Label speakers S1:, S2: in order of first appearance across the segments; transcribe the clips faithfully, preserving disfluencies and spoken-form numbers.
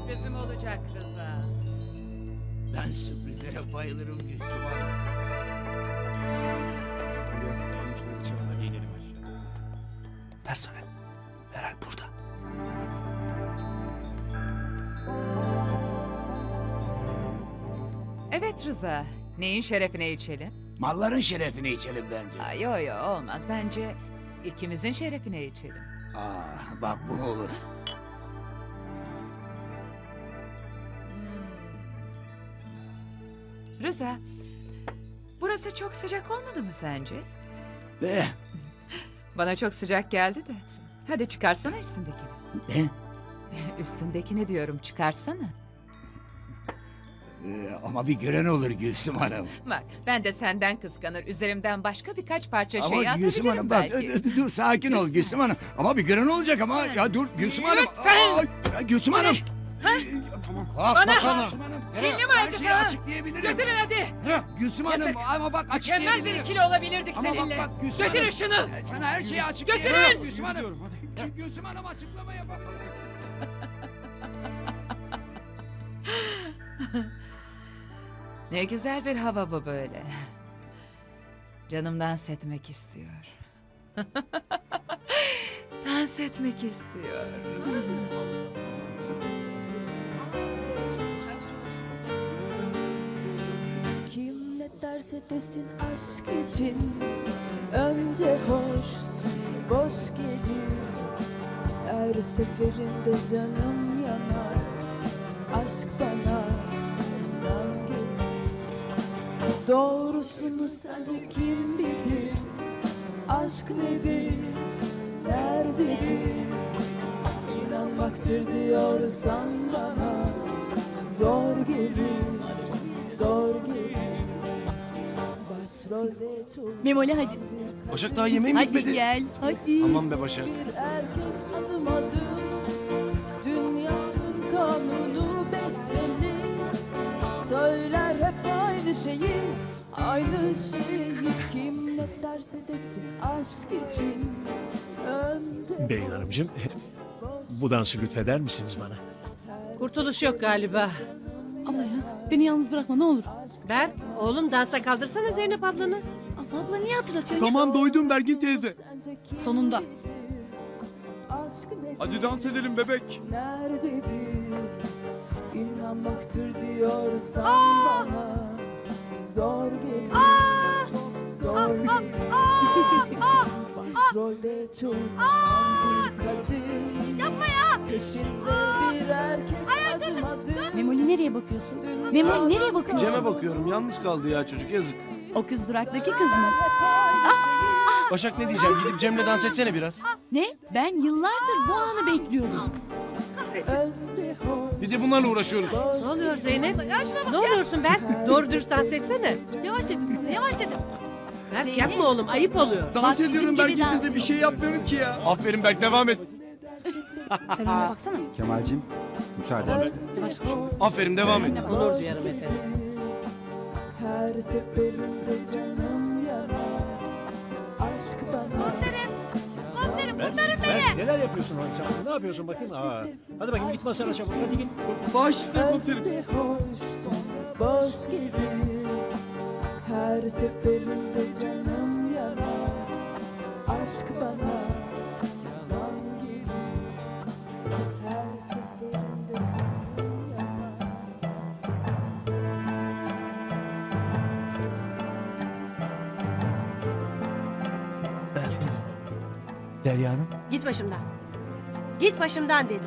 S1: sürprizim olacak Rıza.
S2: Ben sürprizlere bayılırım Gülsüm Hanım.
S3: Hadi inelim aşağı.
S2: Personel. Herhal burada.
S1: Evet Rıza. Neyin şerefine içelim?
S2: Malların şerefine içelim bence.
S1: Aa, yo yo olmaz. Bence ikimizin şerefine içelim.
S2: Aa, bak bu olur.
S1: Hmm. Rıza, burası çok sıcak olmadı mı sence?
S2: Eh,
S1: Bana çok sıcak geldi de. Hadi çıkarsana üstündekini.
S2: ne?
S1: Üstündekini diyorum, çıkarsana.
S2: Ee, ama bir gören olur Gülsüm Hanım.
S1: Bak, ben de senden kıskanır. Üzerimden başka birkaç parça şey
S2: Ama Gülsüm
S1: atabilirim
S2: Hanım bak,
S1: belki.
S2: dur, dur, dur, sakin ol
S1: Lütfen.
S2: Gülsüm Hanım. Ama bir gören olacak ama ya dur Gülsüm Hanım.
S1: Lütfen.
S2: Aa, ya Gülsüm Hanım.
S1: Ha?
S2: Ee, Tamam. Kalk
S1: Bana-
S2: bakalım. Gülsüm Hanım.
S1: Dilli mi
S2: Her
S1: artık
S2: şeyi
S1: ha?
S2: açıklayabilirim.
S1: Götürün hadi.
S2: Ha, Gülsüm Hanım
S1: Yazık.
S2: ama bak
S1: Mükemmel bir
S2: açıklayabilirim.
S1: ikili olabilirdik
S2: Ama bak,
S1: seninle.
S2: bak, Gülsüm
S1: Götürün
S2: Hanım.
S1: şunu.
S2: Ya Sana her şeyi açıklayabilirim.
S1: Götürün.
S2: Gülsüm Hanım. Gülsüm Hanım açıklama yapabilirim.
S1: Ne güzel bir hava bu böyle. Canım dans etmek istiyor. Dans etmek istiyor.
S4: Kim ne derse desin aşk için önce hoş sonra boş gelir. Her seferinde canım yanar, aşk bana inan gelir. Doğrusunu sence kim bilir? Aşk nedir, nerededir? İnanmaktır diyorsan bana zor gelir, zor gelir. Başrolde çok
S5: Memoli hadi.
S3: Başak daha yemeğim
S5: Hadi
S3: bitmedi.
S5: gel. Hadi.
S3: Tamam be Başak.
S4: bir erkek adım adım, dünyanın kanunu besbelli. Söyler hep aynı şeyi, aynı şeyi. Kim ne derse desin aşk için önce
S6: Beyin Hanımcığım, bu dansı lütfeder misiniz bana?
S7: Kurtuluş yok galiba.
S5: Abla ya beni yalnız bırakma ne olur.
S7: Berk, oğlum dansa kaldırsana Zeynep ablanı.
S5: Abla abla niye hatırlatıyorsun?
S3: Tamam doydum Bergin teyze.
S4: sence kim
S5: Sonunda.
S4: bilir? Aşk nedir,
S3: Hadi dans edelim bebek.
S4: nerededir? İnanmaktır diyorsan bana zor gelir, çok zor gelir. Başrolde çoğu zaman bir kadın, yapma ya. Peşinde bir erkek adım adım.
S5: Memoli nereye bakıyorsun? Memoli nereye bakıyorsun?
S3: Cem'e bakıyorum yalnız kaldı ya çocuk yazık.
S5: O kız duraktaki kız mı?
S3: Başak ne diyeceğim gidip Cem'le dans etsene biraz.
S5: Ne? Ben yıllardır bu anı bekliyordum.
S4: Önce hoş,
S3: Bir de bunlarla uğraşıyoruz.
S7: Ne oluyor Zeynep? Ne oluyorsun Berk? Doğru dürüst dans etsene.
S5: Yavaş dedim sana yavaş dedim.
S7: Berk yapma oğlum, ayıp oluyor.
S5: Bak,
S3: Dans
S5: bizim
S3: ediyorum
S5: gibi
S3: Bergin
S5: dans
S3: teyze bir şey yapmıyorum ki ya. Aferin Berk devam et.
S5: Sen ona baksana.
S8: Kemal'cim müsaade.
S3: Aferin devam et.
S7: Onur duyarım efendim.
S4: her seferinde canım yanar, aşk bana.
S6: Ben, neler yapıyorsun Halis abla? Ne yapıyorsun bakayım? Aa, hadi bakayım git masana çabuk. Hadi git.
S3: Başla komiserim.
S4: Önce hoş sonra boş gelir. Her seferinde canım yanar, aşk bana yalan gelir. Her seferinde canım yanar.
S3: Derya Hanım.
S7: Git başımdan. Git başımdan dedim.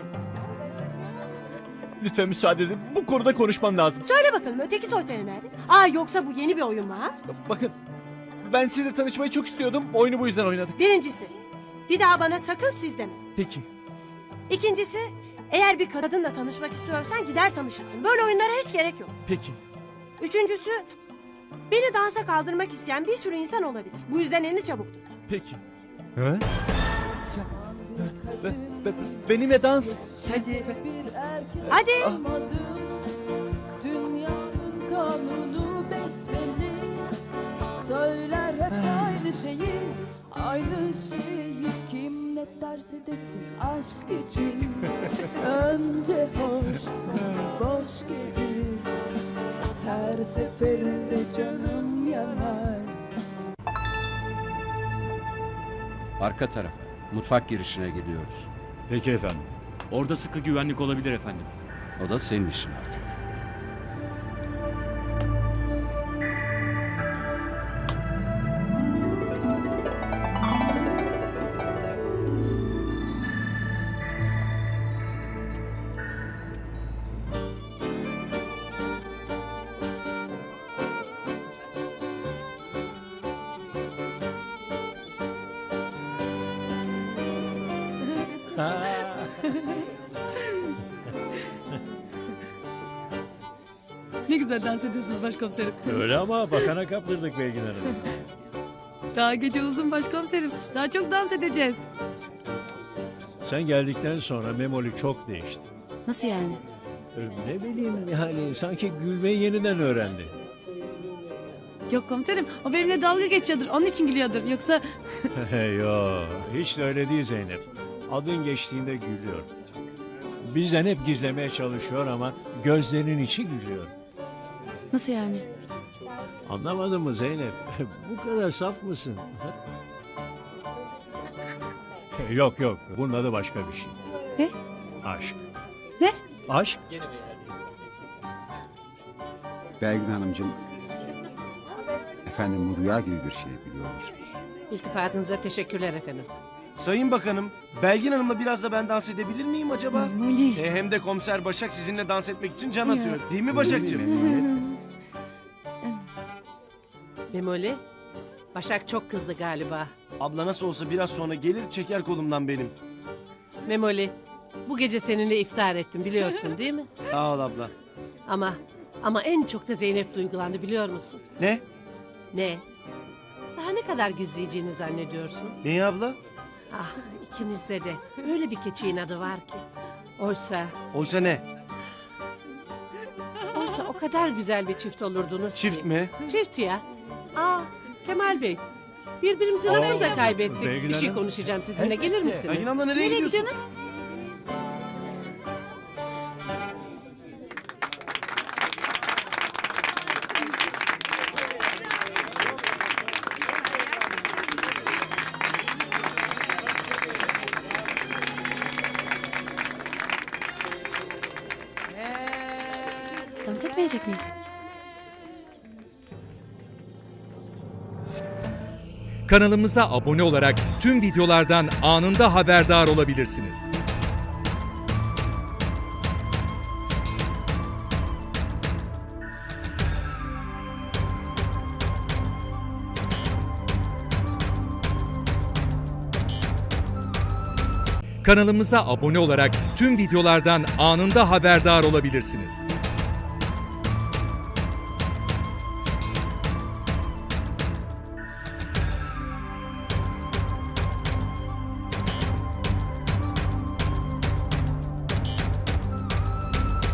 S3: Lütfen müsaade edin. Bu konuda konuşmam lazım.
S7: Söyle bakalım öteki soytarı nerede? Aa yoksa bu yeni bir oyun mu ha?
S3: Bakın ben sizinle tanışmayı çok istiyordum. Oyunu bu yüzden oynadık.
S7: Birincisi, bir daha bana sakın siz deme.
S3: Peki.
S7: İkincisi, eğer bir kadınla tanışmak istiyorsan gider tanışırsın. Böyle oyunlara hiç gerek yok.
S3: Peki.
S7: Üçüncüsü, beni dansa kaldırmak isteyen bir sürü insan olabilir. Bu yüzden elini çabuk tut.
S3: Peki. He? Sen... Be, be, benimle dans. Sen, sen...
S4: Bir erkek
S7: Hadi.
S4: adım adım, dünyanın kanunu besbelli. Söyler hep aynı şeyi, aynı şeyi. Kim ne derse desin aşk için önce hoş
S8: Arka tarafa. Mutfak girişine gidiyoruz.
S3: Peki efendim.
S9: Orada sıkı güvenlik olabilir efendim.
S8: O da senin işin artık.
S5: Ne güzel dans ediyorsunuz başkomiserim.
S6: Öyle ama bakana kaptırdık Belgin Hanım.
S5: Daha gece uzun başkomiserim. Daha çok dans edeceğiz.
S6: Sen geldikten sonra Memoli çok değişti.
S5: Nasıl yani?
S6: Ne bileyim yani sanki gülmeyi yeniden öğrendi.
S5: Yok komiserim, o benimle dalga geçiyordur. Onun için gülüyordur. Yoksa
S6: Yo, hiç de öyle değil Zeynep. Adın geçtiğinde gülüyor. Bizden hep gizlemeye çalışıyor ama gözlerinin içi gülüyor.
S5: nasıl yani?
S6: Anlamadın mı Zeynep? Bu kadar saf mısın? Yok yok, bunun adı başka bir şey.
S5: Ne?
S6: Aşk.
S5: Ne?
S6: Aşk.
S8: Belgin Hanımcığım, efendim bu rüya gibi bir şey biliyor musunuz?
S7: İltifatınıza teşekkürler efendim.
S10: Sayın Bakanım, Belgin Hanım'la biraz da ben dans edebilir miyim acaba?
S5: Memoli.
S10: E, hem de komiser Başak sizinle dans etmek için can
S5: Ya.
S10: atıyor. Değil mi Başakcığım?
S7: Memoli, Başak çok kızdı galiba.
S10: Abla nasıl olsa biraz sonra gelir çeker kolumdan benim.
S7: Memoli, bu gece seninle iftar ettim biliyorsun değil mi?
S10: Sağ ol abla.
S7: Ama ama en çok da Zeynep duygulandı biliyor musun?
S10: Ne?
S7: Ne? Daha ne kadar gizleyeceğini zannediyorsun?
S10: Neyi abla?
S7: Ah ikinizde de öyle bir keçi inadı var ki. Oysa,
S10: Oysa ne?
S7: oysa o kadar güzel bir çift olurdunuz
S10: Çift
S7: ki.
S10: mi?
S7: Çift ya. Aa Kemal Bey, birbirimizi nasıl da
S6: Aa,
S7: kaybettik?
S6: Belgin
S7: Bir şey
S6: Hanım.
S7: konuşacağım sizinle, gelir misiniz?
S10: Belgin abla nereye,
S5: Nereye
S10: gidiyorsun?
S5: gidiyorsunuz? Dans etmeyecek miyiz?
S11: Kanalımıza abone olarak tüm videolardan anında haberdar olabilirsiniz. Kanalımıza abone olarak tüm videolardan anında haberdar olabilirsiniz.